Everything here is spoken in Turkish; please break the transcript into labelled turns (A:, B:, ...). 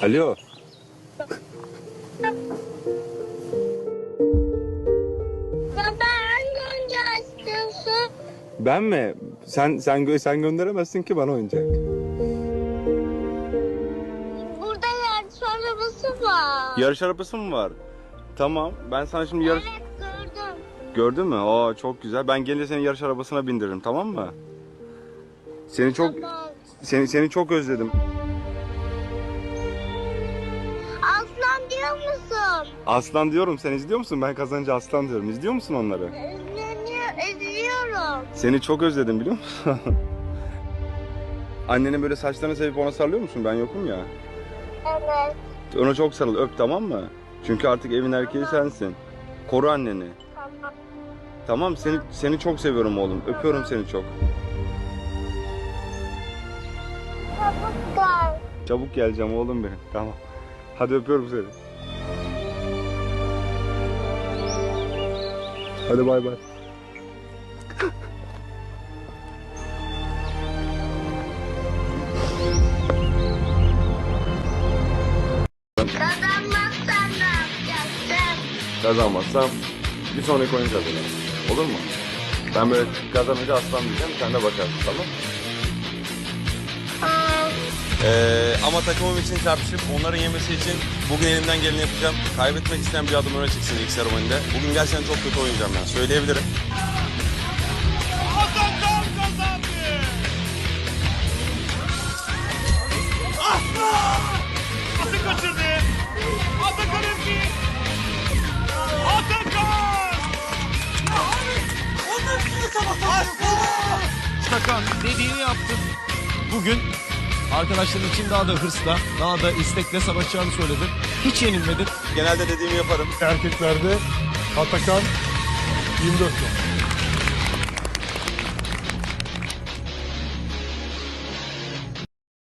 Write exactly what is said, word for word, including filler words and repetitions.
A: Alo.
B: Baba hangi oyuncağı istiyorsun?
A: Ben mi? Sen sen gö- sen gönderemezsin ki bana oyuncak.
B: Burada yarış arabası var.
A: Yarış arabası mı var? Tamam. Ben sana şimdi yarış...
B: Evet gördüm.
A: Gördün mü? Aa çok güzel. Ben gelince seni yarış arabasına bindiririm, tamam mı? Seni çok
B: Tamam.
A: seni seni çok özledim.
B: Aslan diyor musun?
A: Aslan diyorum. Sen izliyor musun? Ben kazanınca aslan diyorum. İzliyor musun onları?
B: İzleniyor, izliyorum.
A: Seni çok özledim biliyor musun? Annenin böyle saçlarını sevip ona sarılıyor musun? Ben yokum ya.
B: Evet.
A: Ona çok sarıl, öp, tamam mı? Çünkü artık evin erkeği sensin. Koru anneni.
B: Tamam.
A: Tamam, seni seni çok seviyorum oğlum. Öpüyorum seni çok.
B: Çabuk gel.
A: Çabuk geleceğim oğlum benim. Tamam. Hadi öpüyorum seni. Hadi bay bay.
B: Kazanmazsan ne yapacaksın?
A: Kazanmazsam bir sonraki oyun kazanırım. Olur mu? Ben böyle kazanınca aslan diyeceğim. Sen de bakarsın, tamam?
B: Aa,
C: Ee, ama takımım için çarpışıp onların yemesi için bugün elimden geleni yapacağım. Kaybetmek isteyen bir adım öne çıksın ilk serüveninde. Bugün gerçekten çok kötü oynayacağım ben. Söyleyebilirim.
D: Atakan kazandı. Aslan! Atı kaçırdı. Atakan Özgür. Atakan! Aslan!
E: Atakan dediğini yaptın. Bugün arkadaşların için daha da hırsla, daha da istekle savaşacağını söyledin. Hiç yenilmedin.
C: Genelde dediğimi yaparım.
F: Erkeklerde Atakan yirmi dört yıl.